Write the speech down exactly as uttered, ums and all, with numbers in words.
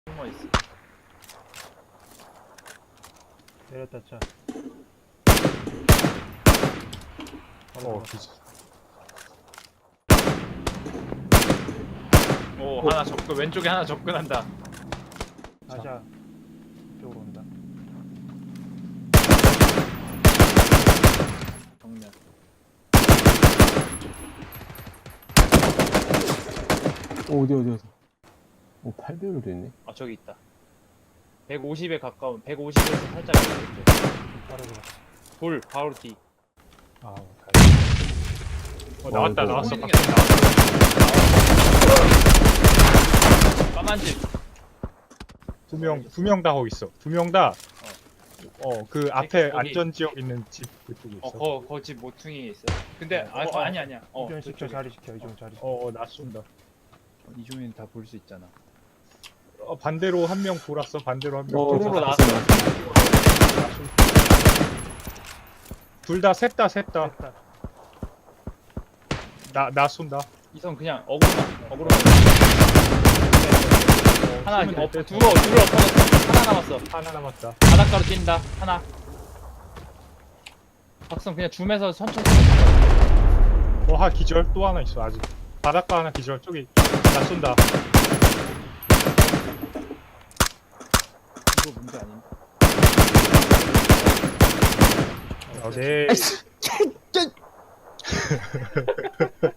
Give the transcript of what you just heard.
숨어 있어. 내렸다 차. 어, 기절. 오, 하나 접근, 왼쪽에 하나 접근한다. 아샤 이쪽으로 온다. 정면. 어, 어디, 어디, 어디. 오, 팔 배율도 있네. 아, 저기 있다. 백오십에 가까운, 백오십에서 살짝 왼쪽. 바로 들어. 돌, 바로 뒤. 아, 어, 나왔다, 어, 나왔어. 보이는 게 밖에 나왔어. 까만 집. 두 명, 두 명 다 거기 있어. 두 명 다, 어, 그 앞에 거기. 안전지역 있는 집 그쪽에 있어. 어, 거, 거 집 모퉁이에 있어. 근데, 아, 어, 어, 아니, 아니야. 어, 이종 시켜 저쪽에. 자리 시켜 이종 자리. 시켜. 어, 어, 나 쏜다. 이종이는 다 볼 수 있잖아. 어, 반대로 한 명 돌았어. 반대로 한 명. 어, 도로로 나왔어, 나왔어. 둘 다, 셋 다, 셋 다. 됐다. 나, 나 쏜다. 이성 그냥 어그로만, 어그로만. 하나, 쏘면 어, 될 둘어, 때. 둘어 터졌어. 하나 남았어. 하나 남았다. 바닷가로 뛴다. 하나. 박성 그냥 줌에서 천천히. 어, 하 기절. 또 하나 있어, 아직. 바닷가 하나 기절. 저기, 나 쏜다. 이거 문제 아닌가? 어, 네.